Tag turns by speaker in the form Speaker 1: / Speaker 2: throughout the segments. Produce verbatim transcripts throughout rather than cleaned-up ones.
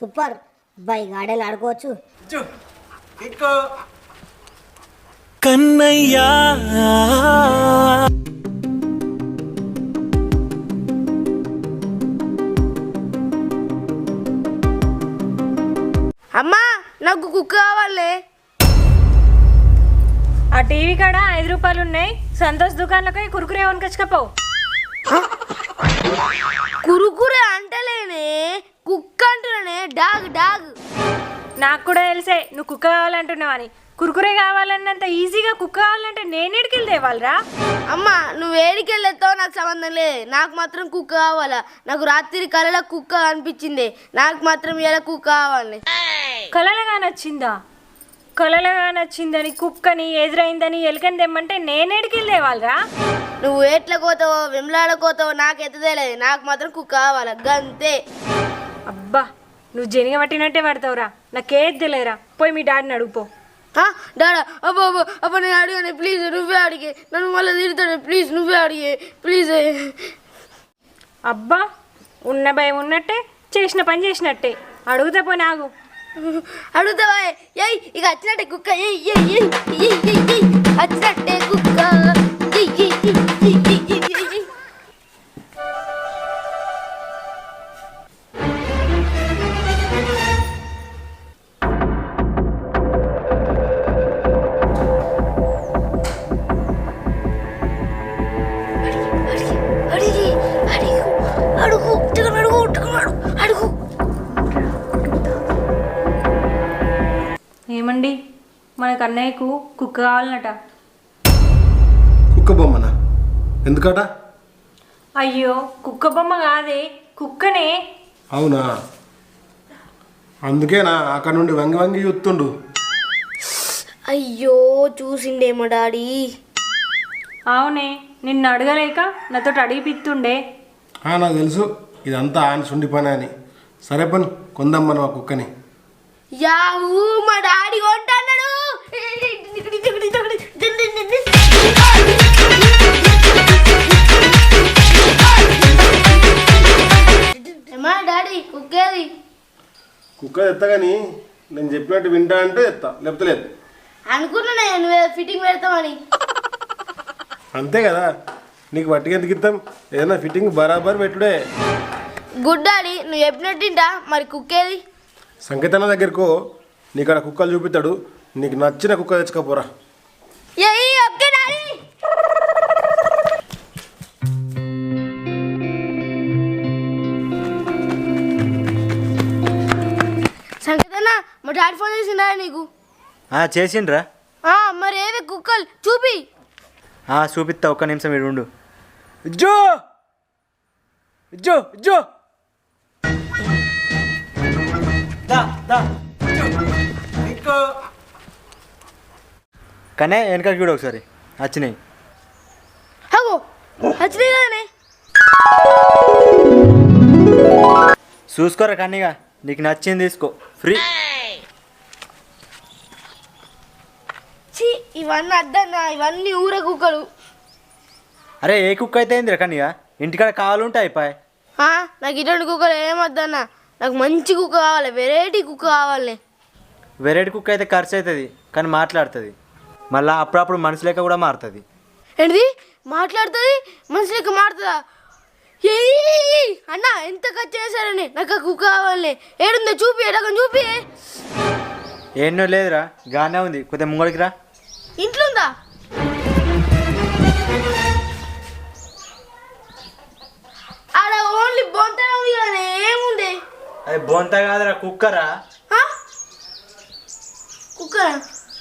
Speaker 1: Super అబ్బాయి garden ఆడుకోవచ్చు.
Speaker 2: కన్నయ్యా
Speaker 3: అమ్మా నాకు కుక్క కావాలి.
Speaker 4: ఆ టీవీ కాడ ఐదు రూపాయలు ఉన్నాయి, సంతోష్ దుకాణంలోకి కురుకురే కొనుకొచ్చుకపో.
Speaker 3: కురుకురే అంటలేనే, కుక్క అంటున్నానే, డాగ్ డాగ్.
Speaker 4: నాకు కూడా తెలిసే నువ్వు కుక్క కావాలంటున్నావని. కురుకురే కావాలన్నంత ఈజీగా కుక్క కావాలంటే నేను ఎడికెళ్ళి తేవాలరా?
Speaker 3: అమ్మా నువ్వు ఏడికెళ్ళేస్తావు నాకు సంబంధం లేదు, నాకు మాత్రం కుక్క కావాలా. నాకు రాత్రి కళలో కుక్క అనిపించింది, నాకు మాత్రం ఇలా కుక్క కావాలి.
Speaker 4: కలలుగా నచ్చిందా? కలలుగా నచ్చిందని కుక్కని ఎదురైందని ఎలుకని తెమ్మంటే నేను ఎడికెళ్ళి తేవాలరా?
Speaker 3: నువ్వు ఏట్ల కోతావో వెమ్లాడ కోతావో నాకు ఎత్తదేలేదు, నాకు మాత్రం కుక్క కావాలా గంతే.
Speaker 4: అబ్బా నువ్వు జనిగ పట్టినట్టే పడతావురా, నాకేది తెలియరా. పోయి మీ డాడీని అడుగుపో.
Speaker 3: డాడా అబ్బో అబ్బో అబ్బా నేను అడిగాను ప్లీజ్, నువ్వే అడిగే, నన్ను మళ్ళీ తిడతాడు ప్లీజ్, నువ్వే అడిగే ప్లీజ్.
Speaker 4: అబ్బా ఉన్న భయం ఉన్నట్టే, చేసిన పని చేసినట్టే. అడుగుతా పో నాగు.
Speaker 3: అడుగుతావా? ఏయ్ ఇక వచ్చినట్టే కుక్క, ఏయ్ ఏయ్ ఏయ్ ఏయ్ ఏయ్ ఏయ్ వచ్చినట్టే కుక్క. ఏయ్ ఏయ్ ఏయ్ ఏయ్ ఏయ్ ఏయ్ ఏయ్.
Speaker 4: ఏమండి మనకు అన్నయ్యకు కుక్క కావాలన్నట.
Speaker 5: కుక్క బొమ్మనా? ఎందుకట?
Speaker 4: అయ్యో కుక్క బొమ్మ కాదే, కుక్కనే.
Speaker 5: అవునా? అందుకేనా అక్కడ నుండి వంగి వంగి చూస్తుండు.
Speaker 3: అయ్యో చూసిండేమో డాడీ.
Speaker 4: అవునే నిన్ను అడగలేక నాతో అడిగిపిత్తుండే.
Speaker 5: నాకు తెలుసు ఇదంతా ఆయన సుండి పని అని. సరే పని కొందాం మనం ఆ కుక్కని.
Speaker 3: యాహూ మా డాడీ కొంటాడు. మా డాడీ కుక్కేది?
Speaker 5: కుక్క తెత్తా కానీ నేను చెప్పినట్టు వింటా అంటే తెత్తా, లేకపోతే లేదు.
Speaker 3: అనుకున్నా నేను ఫిట్టింగ్ పెడతామని.
Speaker 5: అంతే కదా, నీకు వట్టికి ఎందుకు ఇస్తాం, ఏదైనా ఫిట్టింగ్ బరాబర్ పెట్టుడే.
Speaker 3: గుడ్ డాడీ నువ్వు చెప్పినట్టింటా. మరి కుక్కేది?
Speaker 5: సంకేతన దగ్గరకు నీకు అక్కడ కుక్కలు చూపిస్తాడు, నీకు నచ్చిన కుక్క తెచ్చుకోపోరా.
Speaker 3: Okay daddy. సంకేతన మా డాడీ ఫోన్ చేసిండా నీకు?
Speaker 6: చేసిండ్రా.
Speaker 3: మరి ఏవే కుక్కలు చూపి.
Speaker 6: చూపిస్తా, ఒక్క నిమిషం మీరు ఉండు. జో జో జో కానీ వెనకాల చూడు ఒకసారి, వచ్చినాయి.
Speaker 3: అగో వచ్చినాయి కదనే.
Speaker 6: చూసుకోరా కన్నీగా, నీకు నచ్చింది తీసుకో ఫ్రీ.
Speaker 3: ఛీ ఇవన్నీ అద్దన్నా, ఇవన్నీ ఊర కుక్కలు.
Speaker 6: అరే ఏ కుక్క అయితే ఏందిరా కన్నీగా, ఇంటికాడ కావాలంటే అయిపోయి.
Speaker 3: నాకు ఇటువంటి కుక్కలు ఏమొద్దన్నా, నాకు మంచి కుక్క కావాలి, వెరైటీ కుక్క కావాలి.
Speaker 6: వెరైటీ కుక్క అయితే ఖర్చు అవుతుంది కానీ మాట్లాడుతుంది, మళ్ళీ అప్పుడప్పుడు మనిషి లెక్క కూడా మారుతుంది.
Speaker 3: ఏంటిది మాట్లాడుతుంది? మనిషి లెక్క మారుతుందా? ఏ అన్న ఎంత ఖర్చు చేశారని, నాకు ఆ కుక్క కావాలి. ఏడుందో చూపి, ఎడకం చూపి.
Speaker 6: ఏన్నో లేదురా, గానే ఉంది, కొద్దిగా ముంగడికి రా.
Speaker 3: ఇంట్లో ఉందా? ఆడ ఓన్లీ బొంతనే ఉంది కానీ ఏముంది?
Speaker 6: అది బొంత కాదురా, కుక్కరా.
Speaker 3: కుక్కరా?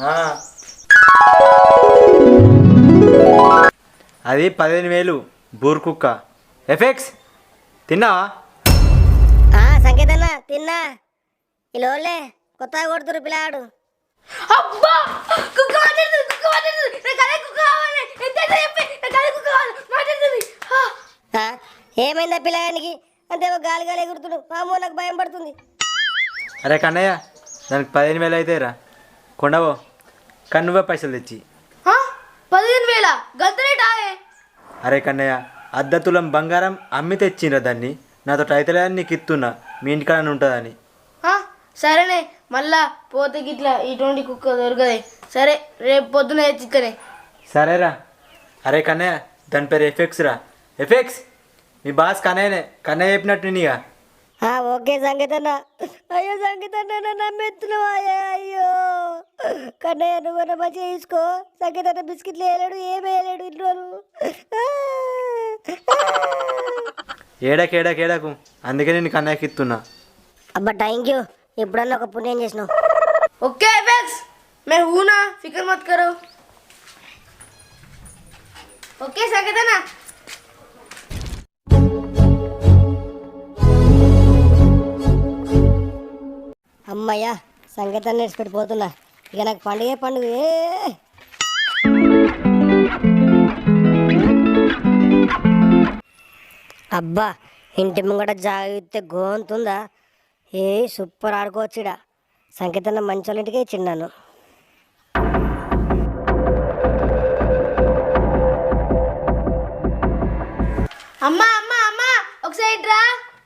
Speaker 6: అది పదిహేను వేలు బూర్ కుక్క. ఎఫెక్స్ తిన్నావా?
Speaker 1: సంకేతన్న తిన్నా. ఇలోలే కొత్తగా కొడుతురు పిల్లాడు.
Speaker 3: అబ్బా కుక్క మాట్లాడుతుంది, కుక్క మాట్లాడుతుంది. నాకు అదే కుక్క కావాలి. ఎంత చెప్పి నాకు అదే కుక్క కావాలి, మాట్లాడుతుంది.
Speaker 1: ఏమైందా పిల్లగానికి? అంతే గాలి గాలి ఎగురుతుడు. మామూ నాకు భయం పడుతుంది.
Speaker 6: అరే కన్నయ్య, దానికి పదిహేను వేలు అయితే రా కొండవో, కానీ నువ్వే పైసలు తెచ్చి.
Speaker 3: పదిహేను వేల గంతరేటాయే?
Speaker 6: అరే కన్నయ్య, అర్ధ తులం బంగారం అమ్మి తెచ్చిండ్రా దాన్ని, నాతో అయితే నీకు ఇస్తున్నా, మీ ఇంటికాడ ఉంటుందని.
Speaker 3: సరేనే మళ్ళా పోతే గిట్లా ఇటువంటి కుక్క దొరకదే. సరే రేపు పొద్దున తెచ్చిక్కనే.
Speaker 6: సరేరా. అరే కన్నయ్య దాని పేరు ఎఫెక్స్ రా. ఎఫెక్స్ మీ బాస్ కన్నయ్యనే. కన్నయ్య చెప్పినట్టు నీగా.
Speaker 1: ఆ, ఓకే సంగీతన్న. అయ్యో సంగీతన్న నన్ను నమ్మెత్తున్నావా? అయ్యో కన్నయ్య నువ్వు నా మంచిగా తీసుకో. సంగీతన్న బిస్కెట్లు వేయలేడు, ఏం వేయలేడు ఇంట్లో.
Speaker 6: ఏడకు ఏడకు ఏడకు అందుకే నేను కన్నయ్యకి ఇస్తున్నా.
Speaker 1: అబ్బా థ్యాంక్ యూ. ఎప్పుడన్నా ఒక పుణ్యం చేసినావు.
Speaker 3: ओके एफेक्स मैं हूँ ना, फिक्र मत करो. ओके संगीता ना.
Speaker 1: అమ్మయ్యా సంగీతాన్ని నేర్చిపెట్టిపోతున్నా. ఇక నాకు పండుగే పండుగ. అబ్బా ఇంటి ముంగట జాగితే గోంతుందా? ఏ సూపర్ ఆడుకోవచ్చుడా. సంగీతన్న మంచి వాళ్ళ ఇంటికే ఇచ్చిండాను.
Speaker 3: అమ్మా అమ్మా అమ్మా ఒకసారి రా.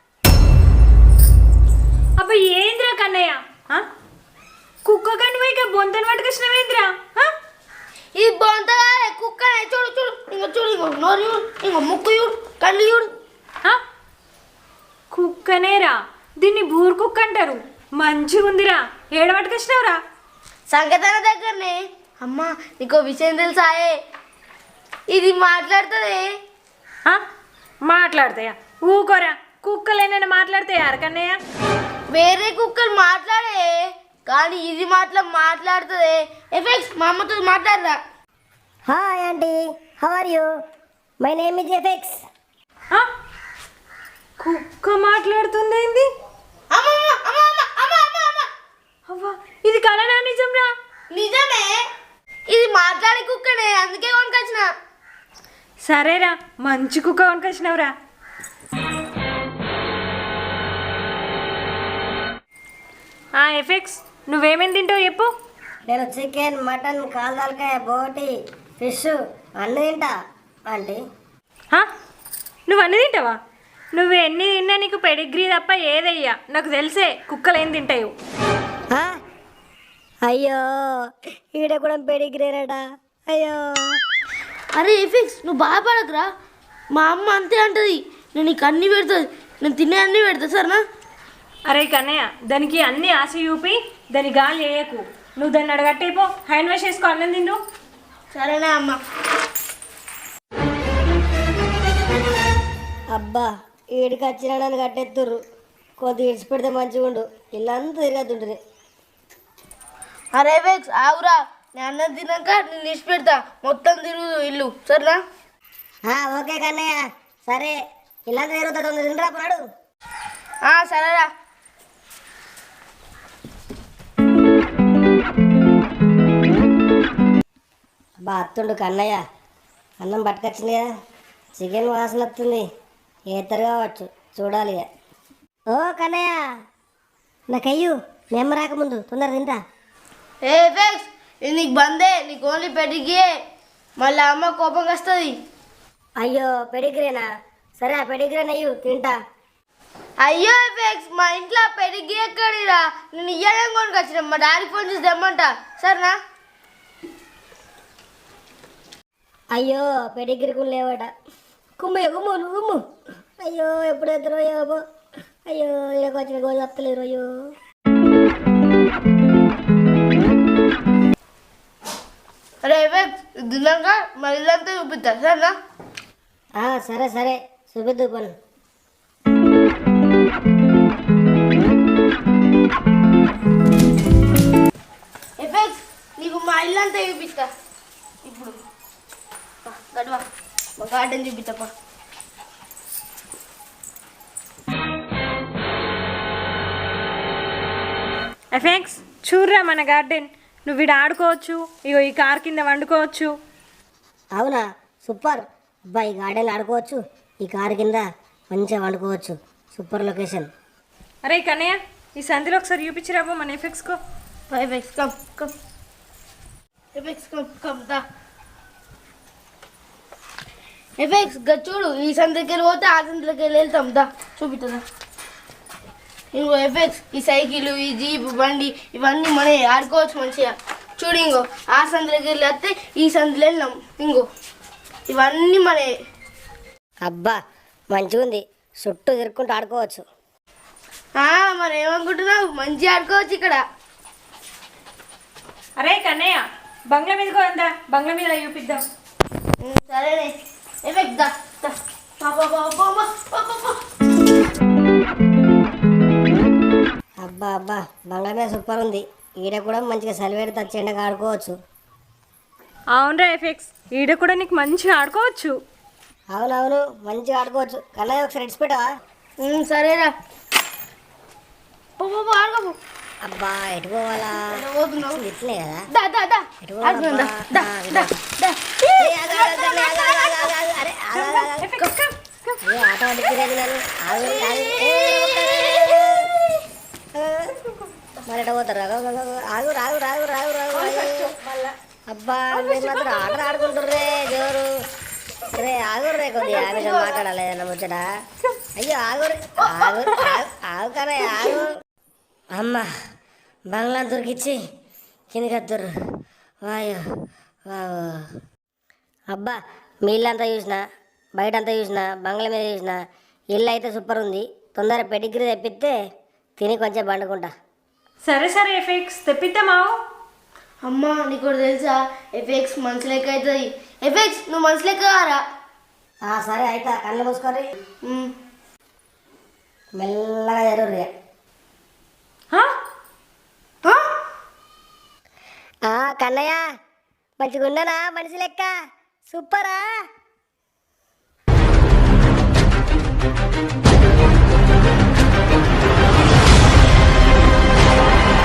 Speaker 4: అబ్బా ఏంద్రా కన్నయ్య, ఆ? కుక్క కనుక ఇక బొంతను పట్టుకొచ్చినవేంద్రా?
Speaker 3: ఇది బాగుంటుందా కుక్క? చూడు చూడు ఇంకో చూడు, ఇంకో నోరు చూడు, ఇంకో ముక్కు చూడు, కళ్ళు చూడు.
Speaker 4: కుక్కనేరా, దీన్ని బూరు కుక్క అంటారు. మంచిగా ఉందిరా. ఏడ పట్టుకొచ్చినావురా?
Speaker 3: సంగతన దగ్గరనే. అమ్మా నీకో విషయం తెలుసాయే, ఇది మాట్లాడుతుంది.
Speaker 4: మాట్లాడతాయా? ఊకోరా, కుక్కలేనని మాట్లాడతాయా కన్నయ్య?
Speaker 3: వేరే కుక్కలు మాట్లాడే కానీ ఇది మాట్లా మాట్లాడుతుంది. ఎఫెక్స్ మా అమ్మతో మాట్లాడరా.
Speaker 1: Hi aunty, how are you? My name is ఎఫెక్స్.
Speaker 4: కుక్క మాట్లాడుతుంది ఏంది? అవ్వా ఇది కలనా నిజంరా?
Speaker 3: నిజమే, ఇది మాట్లాడే కుక్కనే, అందుకే కొనుకొచ్చిన.
Speaker 4: సరేరా, మంచి కుక్క కొనుకొచ్చినావురా. ఎఫెక్స్ నువ్వేమేమి తింటావు చెప్పు.
Speaker 1: నేను చికెన్, మటన్, కాల్దాలకాయ, బోటి, ఫిష్ అన్నీ తింటా ఆంటీ.
Speaker 4: నువ్వు అన్నీ తింటావా? నువ్వు ఎన్ని తిన్నా నీకు పెడిగ్రీ తప్ప ఏదయ్యా. నాకు తెలిసే కుక్కలు ఏం తింటావు.
Speaker 1: అయ్యో ఈడ కూడా పెడిగ్రేనట. అయ్యో
Speaker 3: అరే ఎఫెక్స్ నువ్వు బాధపడకురా, మా అమ్మ అంతే అంటది. నేను నీకు అన్నీ పెడుతుంది, నేను తినే అన్నీ పెడతా సరేనా?
Speaker 4: అరే కన్నయ్య, దానికి అన్ని ఆశ చూపి దాని గాలి వేయకు. నువ్వు దాన్ని అడగట్టయిపో, హ్యాండ్ వాష్ చేసుకో, అన్నం తిండు.
Speaker 3: సరేనా అమ్మ?
Speaker 1: అబ్బా ఈడికి వచ్చిన నన్ను కట్టెత్తుర్రు. కొద్దిగా ఇడిచి పెడితే మంచిగా ఉండు. ఇల్లంతా తిరగతుంటుంది.
Speaker 3: అరే ఎఫెక్స్ ఆగురా, నేను అన్నం తిన్నాక నేను ఇచ్చి పెడతా. మొత్తం తిరుగు ఇల్లు సరేనా?
Speaker 1: ఓకే కన్నయ్య, సరే ఇల్లంతా తిరుగుతా. తొందర తింటరా పడు.
Speaker 3: సరేరా.
Speaker 1: అబ్బా అత్తుండు కన్నయ్య, అన్నం పట్టుకొచ్చింది కదా. చికెన్ వాసన వస్తుంది. ఏతరు కావచ్చు, చూడాలి ఇక. ఓ కన్నయ్య నాకయ్యు మేము రాకముందు తొందర తింటా.
Speaker 3: ఏ ఎఫెక్స్ ఇది నీకు బందే, నీకు ఓన్లీ పెడిగియే. మళ్ళీ అమ్మ కోపం వస్తుంది.
Speaker 1: అయ్యో పెడిగ్రేనా? సరే ఆ పెడిగ్రేన్ అయ్యు తింటా.
Speaker 3: అయ్యో ఎఫెక్స్ మా ఇంట్లో పెడిగి ఎక్కడిరా? నేను ఇయ్యాలని కొనుకొచ్చిన. మా డాడీ ఫోన్ చేసి తెమ్మంట సరేనా?
Speaker 1: అయ్యో పెడిగ్రీకు లేవట. కుమ్మయ్య కుమ్ము నువ్వు కుమ్ము. అయ్యో ఎప్పుడు ఎద్దరు అయ్యో. అయ్యో ఇలాగ వచ్చిన గోలు తప్పలేరు. అయ్యో
Speaker 3: అరే ఎఫెక్స్ తిన్నాక మా ఇల్లంతా చూపిస్తా సరేనా?
Speaker 1: సరే సరే చూపిద్దు పను.
Speaker 3: ఎఫెక్స్ నీకు మా ఇల్లంతా చూపిస్తా. ఇప్పుడు గడవా మా గార్డెన్ చూపిస్తాపా.
Speaker 4: ఎఫెక్స్ చూర్రా మన గార్డెన్. నువ్వు వీడు ఆడుకోవచ్చు. ఇగో ఈ కార్ కింద వండుకోవచ్చు.
Speaker 1: అవునా సూపర్. అబ్బా ఈ గార్డెన్ ఆడుకోవచ్చు, ఈ కారు కింద మంచిగా వండుకోవచ్చు. Super location.
Speaker 4: అరే కన్నయ్య, ఈ సంధిలో ఒకసారి చూపించిరాబో మన ఎఫెక్స్కో.
Speaker 3: ఎఫెక్స్ కమ్ కమ్ ఎఫెక్స్ కమ్ కమ్ దా. ఎఫెక్స్ చూడు, ఈ సందుకి వెళ్ళి పోతే ఆ సందులోకి వెళ్ళి వెళ్తాం దా చూపిస్తుందా. ఇంకో ఎఫెక్ట్స్ ఈ సైకిల్ ఈ జీప్ బండి ఇవన్నీ మనం ఆడుకోవచ్చు మంచిగా చూడు ఇంకో ఆ సందులోకి వెళ్ళి వస్తే ఈ సందులో వెళ్ళాం ఇంకో ఇవన్నీ మనే
Speaker 1: అబ్బా మంచిగా ఉంది, చుట్టూ తిరుక్కుంటూ ఆడుకోవచ్చు.
Speaker 3: మరి ఏమనుకుంటున్నావు మంచిగా ఆడుకోవచ్చు ఇక్కడ.
Speaker 4: అరే కన్నయ్య బంగ్లా మీదకి పోందా, బంగ్లా మీద చూపిద్దాం.
Speaker 3: ఉమ్, సరేనే ఎఫెక్ట్ దా దా. పా, పా, పా, పా, పా, పా, పా, పా.
Speaker 1: అబ్బా అబ్బా బంగ్లా మీద సూపర్ ఉంది. ఈడ కూడా మంచిగా సలివేడి తచ్చేండగా ఆడుకోవచ్చు.
Speaker 4: అవునరా ఎఫెక్స్, ఈడ కూడా నీకు మంచిగా ఆడుకోవచ్చు.
Speaker 1: అవునవును మంచిగా ఆడుకోవచ్చు. కన్నయ్య ఒకసారి ఇడిచి పెట్టవా?
Speaker 3: ఉమ్, సరేరా పో, పో, పో, ఆడుకో పో.
Speaker 1: అబ్బా ఎటు పోవాలా?
Speaker 3: ఎక్కడ పోతున్నావు?
Speaker 1: ఇట్లే కదా.
Speaker 3: దా దా దా
Speaker 1: ఎటు
Speaker 3: ఆడుకుందాం, దా,
Speaker 1: పోవాలబ్బా?
Speaker 3: దా,
Speaker 1: ఆ,
Speaker 3: దా, దా.
Speaker 1: ఏ, ఆగు, ఆగు, ఆగు, ఆగు, ఆగు, ఆగు, ఆగు, అరే, ఆగు, ఆగు, ఆగు.
Speaker 4: ఎఫెక్స్, కమ్, కమ్.
Speaker 1: అయ్యో, ఆట పట్టించలేదు నన్ను. ఆగు, ఆగు. ఏ, మరి ఎట పోతారు? ఆగు, ఆగు, ఆగు, ఆగు, రాగు రాగు రాగు రాగు రాగు. అబ్బా మీరు మాత్రం ఆట ఆడుకుంటుర్రే జోరు. రే ఆగుర్రే కొద్దిగా ఆమెతో మాట్లాడాలి ఏదన్నా ముచ్చట. అయ్యో ఆగురు ఆగు ఆగు ఆగు కదా ఆగు. అమ్మ బంగ్లా దొరికిచ్చి కిందికి వద్దురు. వాయు వావు. అబ్బా మీ ఇల్లు అంతా చూసిన, బయట అంతా చూసిన, బంగ్లా మీద చూసిన, ఇల్లు అయితే సూపర్ ఉంది. తొందర పెడిగ్రీ తెప్పిస్తే తిని కొంచెం పండుకుంటా.
Speaker 4: సరే సరే ఎఫెక్స్ తెప్పిద్దామావు.
Speaker 3: అమ్మా నీకు ఒకటి తెలుసా, ఎఫెక్స్ మనసు లెక్క అవుతుంది. ఎఫెక్స్ నువ్వు మనసు లెక్క రా.
Speaker 1: ఆ, సరే అయితే కళ్ళు మూసుకొని
Speaker 3: ఉమ్.
Speaker 1: మెల్లగా జరుగు.
Speaker 4: హా?
Speaker 1: కన్నయ్య మంచిగా ఉండనా మనిషి లెక్క? సూపరా?